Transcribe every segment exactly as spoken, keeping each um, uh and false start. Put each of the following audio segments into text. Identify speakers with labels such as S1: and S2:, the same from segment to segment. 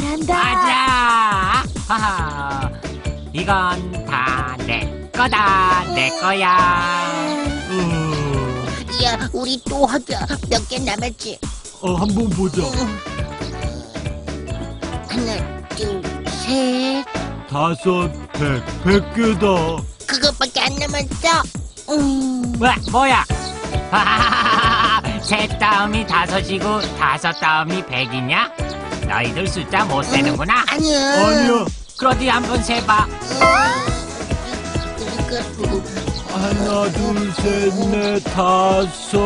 S1: 잘한다.
S2: 맞아. 하하. 이건 다 내 거다. 내 거야.
S3: 음.
S1: 야, 우리 또 하자. 몇 개 남았지?
S3: 어, 한번 보자.
S1: 하나, 둘, 셋.
S3: 다섯, 백, 백 개다.
S1: 그것밖에 안 남았어. 음.
S2: 왜, 뭐야? 하하하하. 셋 다음이 다섯이고 다섯 다음이 백이냐? 너희들 숫자 못 세는구나.
S1: 아니야.
S3: 아니야.
S2: 그러디 한번 세봐.
S1: 그리고
S3: 하나, 둘, 셋, 넷, 다섯.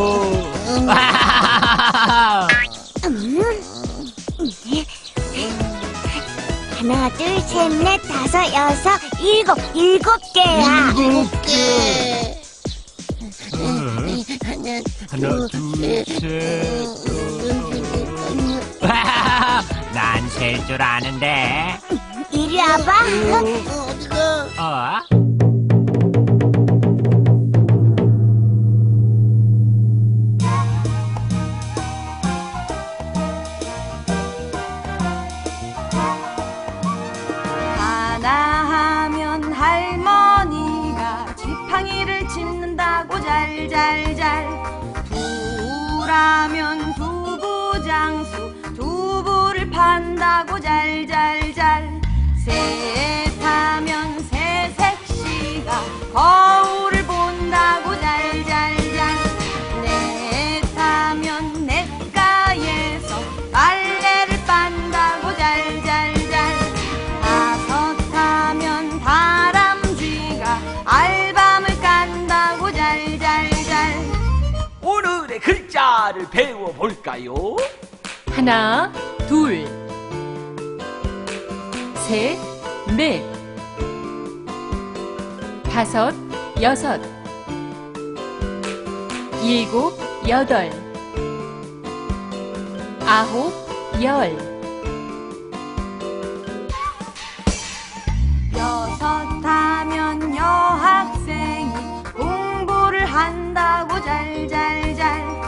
S4: 하나, 둘, 셋, 넷, 다섯, 여섯, 일곱, 일곱 개야.
S1: 일곱 개.
S3: 하나,
S1: 하나,
S3: 둘, 셋.
S2: 난 셀 줄 아는데.
S4: 이리 와봐.
S1: 어디가?
S2: 어?
S5: 하나 하면 할머니가 지팡이를 짚는다고 잘잘잘. 두라면 두부장수 두부를 판다고 잘잘잘. 셋하면 새색시가 거울을 본다고 잘잘잘. 넷하면 냇가에서 빨래를 빤다고 잘잘잘. 다섯하면 다람쥐가 알밤을 깐다고 잘잘잘.
S6: 오늘의 글자를 배워볼까요?
S7: 하나, 둘, 셋, 넷, 다섯, 여섯, 일곱, 여덟, 아홉, 열.
S5: 여섯하면 여학생이 공부를 한다고 잘잘잘.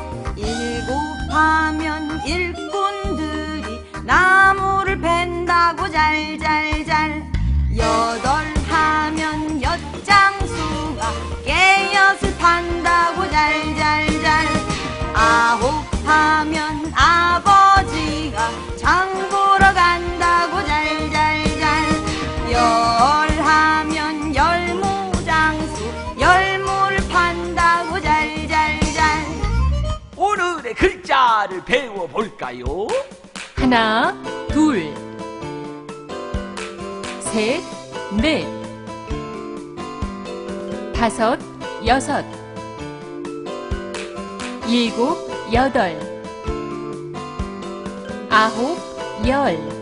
S5: 일곱하면 일꾼들이 나무를 벤다고 잘잘잘. 여덟하면 엿장수가 깨엿을 판다고 잘잘잘. 아홉하면 아버지가 장 보러 간다고 잘잘잘. 열하면 열무장수 열무를 판다고 잘잘잘.
S6: 오늘의 글자를 배워볼까요?
S7: 하나, 둘, 셋, 넷, 다섯, 여섯, 일곱, 여덟, 아홉, 열.